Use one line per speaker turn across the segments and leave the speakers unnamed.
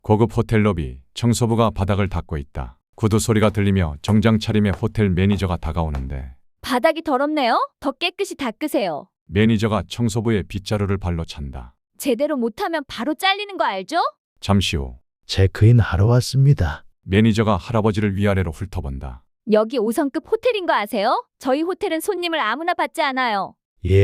고급 호텔 로비, 청소부가 바닥을 닦고 있다. 구두 소리가 들리며 정장 차림의 호텔 매니저가 다가오는데
바닥이 더럽네요. 더 깨끗이 닦으세요.
매니저가 청소부의 빗자루를 발로 찬다.
제대로 못하면 바로 잘리는 거 알죠?
잠시 후
체크인 하러 왔습니다.
매니저가 할아버지를 위아래로 훑어본다.
여기 5성급 호텔인 거 아세요? 저희 호텔은 손님을 아무나 받지 않아요.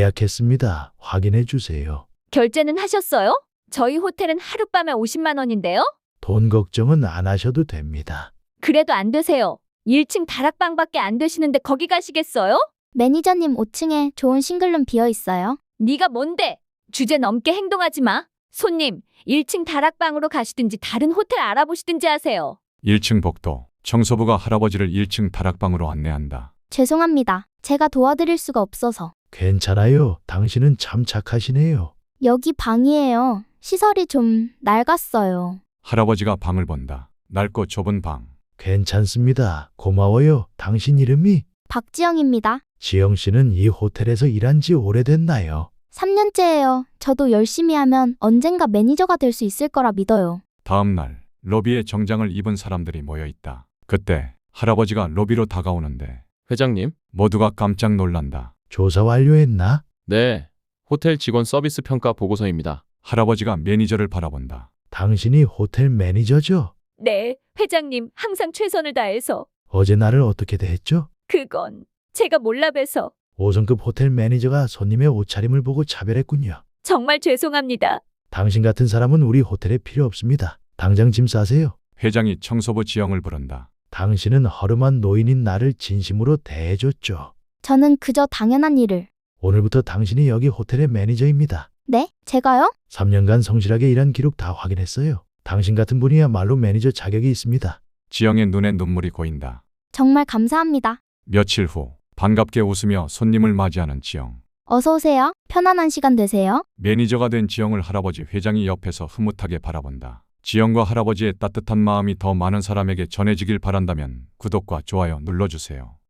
예약했습니다. 확인해 주세요.
결제는 하셨어요? 저희 호텔은 하룻밤에 50만 원인데요?
돈 걱정은 안 하셔도 됩니다.
그래도 안 되세요. 1층 다락방밖에 안 되시는데 거기 가시겠어요?
매니저님 5층에 좋은 싱글룸 비어 있어요.
네가 뭔데? 주제 넘게 행동하지 마. 손님, 1층 다락방으로 가시든지 다른 호텔 알아보시든지 하세요.
1층 복도, 청소부가 할아버지를 1층 다락방으로 안내한다.
죄송합니다. 제가 도와드릴 수가 없어서.
괜찮아요. 당신은 참 착하시네요.
여기 방이에요. 시설이 좀 낡았어요.
할아버지가 방을 본다. 넓고 좁은 방.
괜찮습니다. 고마워요. 당신 이름이?
박지영입니다.
지영 씨는 이 호텔에서 일한 지 오래됐나요?
3년째예요. 저도 열심히 하면 언젠가 매니저가 될 수 있을 거라 믿어요.
다음 날 로비에 정장을 입은 사람들이 모여 있다. 그때 할아버지가 로비로 다가오는데
회장님?
모두가 깜짝 놀란다.
조사 완료했나?
네. 호텔 직원 서비스 평가 보고서입니다.
할아버지가 매니저를 바라본다.
당신이 호텔 매니저죠?
네, 회장님 항상 최선을 다해서.
어제 나를 어떻게 대했죠?
그건 제가 몰라 봬서
5성급 호텔 매니저가 손님의 옷차림을 보고 차별했군요.
정말 죄송합니다.
당신 같은 사람은 우리 호텔에 필요 없습니다. 당장 짐 싸세요.
회장이 청소부 지영을 부른다.
당신은 허름한 노인인 나를 진심으로 대해줬죠.
저는 그저 당연한 일을.
오늘부터 당신이 여기 호텔의 매니저입니다.
네? 제가요?
3년간 성실하게 일한 기록 다 확인했어요. 당신 같은 분이야말로 매니저 자격이 있습니다.
지영의 눈에 눈물이 고인다.
정말 감사합니다.
며칠 후 반갑게 웃으며 손님을 맞이하는 지영.
어서 오세요. 편안한 시간 되세요.
매니저가 된 지영을 할아버지 회장이 옆에서 흐뭇하게 바라본다. 지영과 할아버지의 따뜻한 마음이 더 많은 사람에게 전해지길 바란다면 구독과 좋아요 눌러주세요.